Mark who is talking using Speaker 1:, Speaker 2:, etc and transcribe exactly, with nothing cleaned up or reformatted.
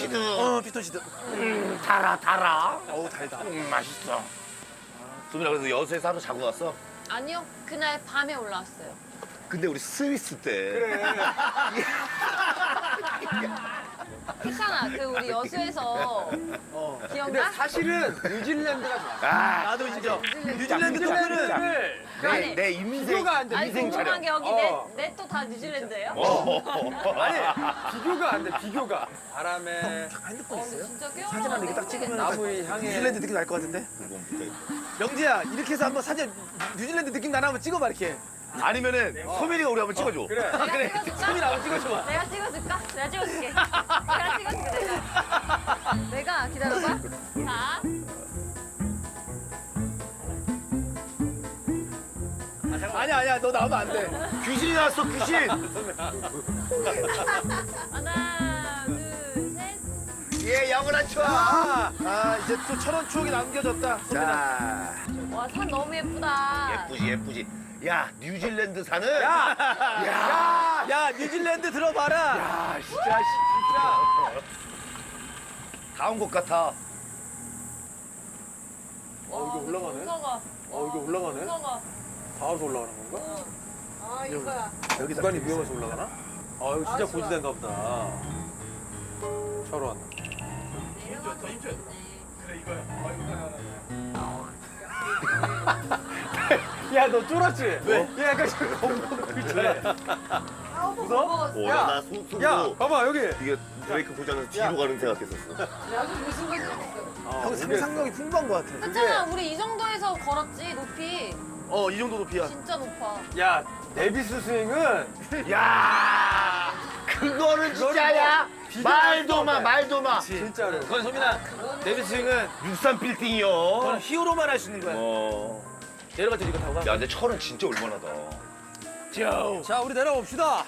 Speaker 1: 피톤치드.
Speaker 2: 어, 피톤치드.
Speaker 1: 음, 달아, 달아.
Speaker 2: 어우, 달다.
Speaker 1: 음, 맛있어. 수민아, 그래서 여수에서 하루 자고 갔어?
Speaker 3: 아니요, 그날 밤에 올라왔어요.
Speaker 1: 근데 우리 스위스 때.
Speaker 2: 그래.
Speaker 3: 괜찮아, 그 우리 여수에서
Speaker 2: 어. 근데
Speaker 3: 기억나?
Speaker 2: 사실은 뉴질랜드가 좋아.
Speaker 1: 아,
Speaker 2: 나도 인정.
Speaker 3: 뉴질랜드.
Speaker 2: 뉴질랜드 투표는
Speaker 3: 아니.
Speaker 1: 내, 내 인생.
Speaker 2: 비교가 안 돼.
Speaker 3: 아니
Speaker 1: 인생
Speaker 3: 궁금한
Speaker 1: 촬영.
Speaker 3: 게 여기
Speaker 2: 어.
Speaker 3: 내 또 다 뉴질랜드예요?
Speaker 1: 어.
Speaker 2: 아니, 비교가 안 돼. 비교가. 바람에
Speaker 3: 어,
Speaker 2: 핸드폰 있어요?
Speaker 3: 진짜 꽤
Speaker 2: 사진 하나 이렇게 딱 찍으면 나무의 향에
Speaker 4: 뉴질랜드 느낌 날 것 같은데? 영지야 이렇게 해서 한번 사진 뉴질랜드 느낌 나나 한번 찍어봐 이렇게.
Speaker 1: 아니면은 소민이가 우리 한번 찍어줘.
Speaker 2: 그래.
Speaker 3: 내가 찍어줄까?
Speaker 4: 소민아 한번 찍어줘봐.
Speaker 3: 내가 찍어줄까? 내가 찍어줄게. 내가 찍어줄게, 내가. 내가 기다려봐. 자.
Speaker 4: 아니야 아니야 너 나오면 안 돼.
Speaker 1: 귀신이 나왔어, 귀신.
Speaker 3: 하나, 둘, 셋.
Speaker 1: 예, 영원한 추억.
Speaker 4: 아, 아 이제 또 철원 추억이 남겨졌다. 소민아.
Speaker 1: 자,
Speaker 3: 와, 산 너무 예쁘다.
Speaker 1: 예쁘지, 예쁘지. 야, 뉴질랜드 산은.
Speaker 4: 야, 야, 야 뉴질랜드 들어봐라.
Speaker 1: 야, 진짜, 진짜. 다 온 것 같아.
Speaker 3: 어,
Speaker 2: 이게 올라가네?
Speaker 3: 무서워.
Speaker 2: 어, 이게 올라가네?
Speaker 3: 무서워.
Speaker 2: 바로 올라가는 건가?
Speaker 3: 아, 이거야.
Speaker 4: 여기다
Speaker 2: 구간이 위험해서 올라가나? 아, 이거 진짜 고지대인가 보다. 철원.
Speaker 3: 더 힘줘.
Speaker 2: 야, 너 쫄았지? 왜? 얘 약간 지금 겁먹고 있잖아. 무서워?
Speaker 1: 오,
Speaker 2: 야,
Speaker 1: 나 속, 속으로.
Speaker 2: 야, 봐봐, 여기.
Speaker 1: 이게 브레이크 고장에서 뒤로 가는 생각했었어.
Speaker 4: 형 상상력이 풍부한 것 같아.
Speaker 3: 괜찮아, 우리 이 정도에서 걸었지, 높이.
Speaker 4: 어 이 정도 높이야.
Speaker 3: 진짜 높아.
Speaker 2: 야, 데비스 스윙은
Speaker 1: 야, 그거는 진짜야. 말도 마, 말도 마.
Speaker 2: 진짜로.
Speaker 4: 그건 소민아 데뷔 스윙은
Speaker 1: 육삼 빌딩이요.
Speaker 4: 그건 히어로만 할 수 있는 거야.
Speaker 1: 어.
Speaker 4: 내려가자 이거 타고 가.
Speaker 1: 야, 근데 철은 진짜 올만하다.
Speaker 4: 자 우리 내려봅시다.